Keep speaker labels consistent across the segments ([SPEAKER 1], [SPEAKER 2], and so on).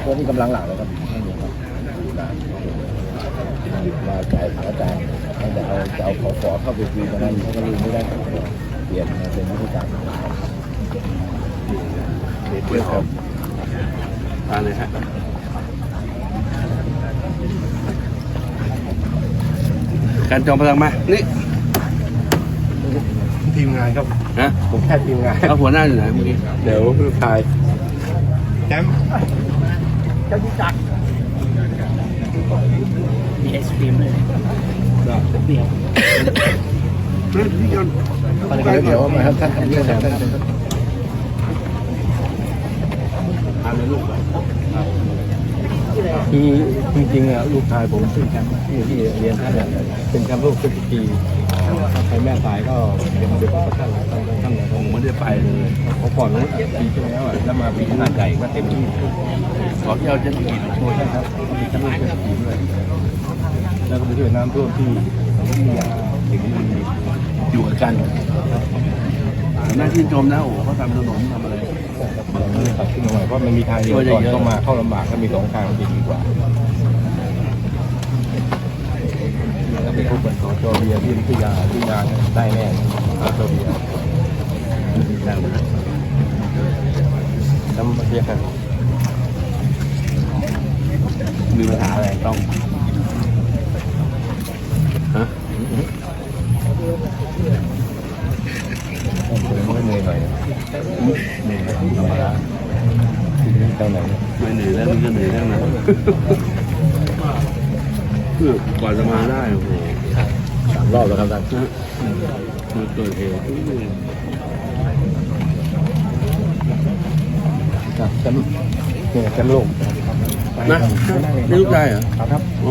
[SPEAKER 1] พวกนี้กำลังหลักเลยครับไม่มีครับมาจ่ายอาจารย์ตั้งแต่เอาขอเข้าไปคุยกันนั้นเขาก็ลืมไม่ได้เปลี่ยนมาเป็นวิธีการ
[SPEAKER 2] เพื่อครับทานเลยฮะการจองพลังมานี่
[SPEAKER 1] ทีมงานครับ
[SPEAKER 2] นะ
[SPEAKER 1] ผมแค่ทีมงาน
[SPEAKER 2] เอาหัวหน้าอยู่ไหนเมื่อกี้
[SPEAKER 1] เดี๋ยวลูกชายแชมป์เจ้าจักรมีไอศครีมเลยเดี๋ยวเดี๋ยวมาครับท่านทำเรื่องท่านทานในลูกคือจริงๆอ่ะลูกชายผมเป็นแชมป์ที่เรียนท่านเป็นแชมป์โลกทุกปีไปแม่สายก็เป็นเด็กของท่าน
[SPEAKER 2] ผมไม่ได้ไปเลย
[SPEAKER 1] เพราะก่อนนั้นปีที่แล้วแล้วมาปีขนาดใหญ่ก็เต็มที่
[SPEAKER 2] ขอที่เอาเจ็ตสกี
[SPEAKER 1] โอ้ใช่ครับมีแชมป์โลกเจ็ตสกีด้วยแล้วก็ไปช่วยน้ำท่วมที่ถึงอยู่กัน
[SPEAKER 2] หน้าที่ชมนะโอ้เขาทำถนนทำอะไร
[SPEAKER 1] ตัดขึ้นมาใหม่เพราะมันมีทางเดียวก่อนเข้ามาเข้าลำบากถ้ามีสองทางจะดีกว่าแล้วไปพบกับสจเบียร์ที่วิทยาได้แน่สจเบียร์น้ำเบียร์กัน
[SPEAKER 2] มีปัญหาอะไรต้องฮะ
[SPEAKER 1] ไม่เหนื่อยหน่อยเหนื่อยธรรมดาเท่าไหร่
[SPEAKER 2] ไม่เหนื่อยแล้วมันก็เหนื่อยแล้วนะเพื่อกว่าจะมาได้โอ้โห
[SPEAKER 1] 3 รอบแล้วครับท่าน
[SPEAKER 2] มันเกิดเหตุ
[SPEAKER 1] ครับแชมป์เนี่ยแชมป์โลก
[SPEAKER 2] นะนี่ลูกชายเหรอ
[SPEAKER 1] ครับ
[SPEAKER 2] โอ้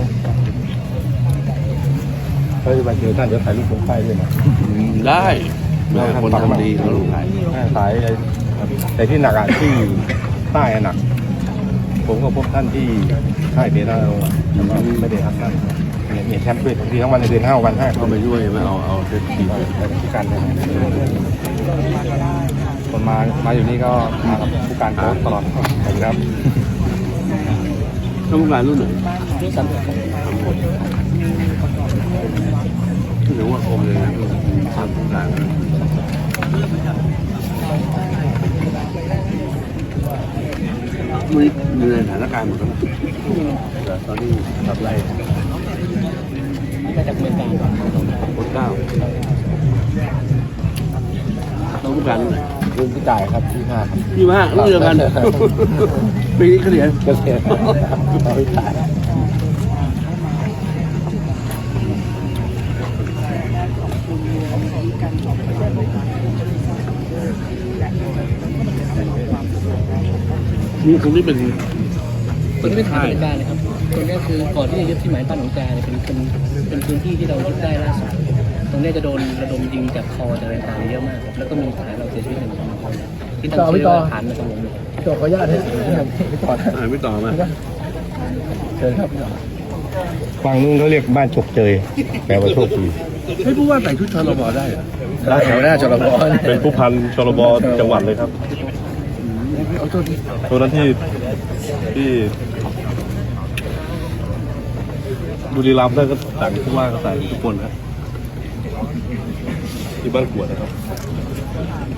[SPEAKER 1] เขาจะมาเจอท่านจะถ่ายรูปผมไปด้วยนะ
[SPEAKER 2] ได้คนทำดีเขาลูกถ่าย
[SPEAKER 1] แต่ที่หนักที่ใต้หนักผมก็พบท่านที่ค่ายเดน่าแต่ว่าไม่ได้ทำท่านเนี่ยแชมป์ด้วยที่ทั้งวันในเดือน5 วัน5
[SPEAKER 2] เขาไปช่วยไม่เอาเซ็ตที
[SPEAKER 1] ผู้การเลยคนมาอยู่นี่ก็มากับผู้การโค้ชตลอดครับ
[SPEAKER 2] ต้องการรุ่นไหนถือว่าคมเลยนะทำผู้การมีในสถานการณ์หมดแล้วตอนนี้ทำไร
[SPEAKER 1] มาจากเมืองการ
[SPEAKER 2] คน9ต้องผู้การรุ่นไหน
[SPEAKER 1] รุ่นที่จ่ายครับที่5ครับ
[SPEAKER 2] ที่5รุ่นเดียวกันปีนี้เฉลี่ย
[SPEAKER 1] เราไม่จ่าย
[SPEAKER 2] นี่คนนี้เป็น
[SPEAKER 3] คนที่เป็นทางการเลยครับตรงนี้คือก่อนที่จะยึดที่หมายบ้านหนองจาเนี่ยเป็นพื้นที่ที่เรายึดได้ล่าสุดตรงนี้จะโดนระดมยิงจากคอจากอะไรต่างๆเยอะมากครับแล้วก็มีทหารเราเสียชีวิต1 คนที่ตั้งชื่อว่าทหารมาตรงนี้
[SPEAKER 1] ขออนุญาตให้ไม่ต่อ
[SPEAKER 2] ไม่ต่อมา
[SPEAKER 1] เชิญครับฝั่งนู้นเขาเรียกบ้านฉกเจยแปลว่าโชคดี
[SPEAKER 2] ให้ผู้ว่าใส่ชุดชลบได้เหรอ
[SPEAKER 1] ได้แถวหน้าชลบ
[SPEAKER 4] เป็นผู้พันชลบจังหวัดเลยครับตัวนั้นที่บุรีรัมย์ได้ก็สั่งผู้ว่าก็ใส่ทุกคนครับที่บ้านกวดนะครับ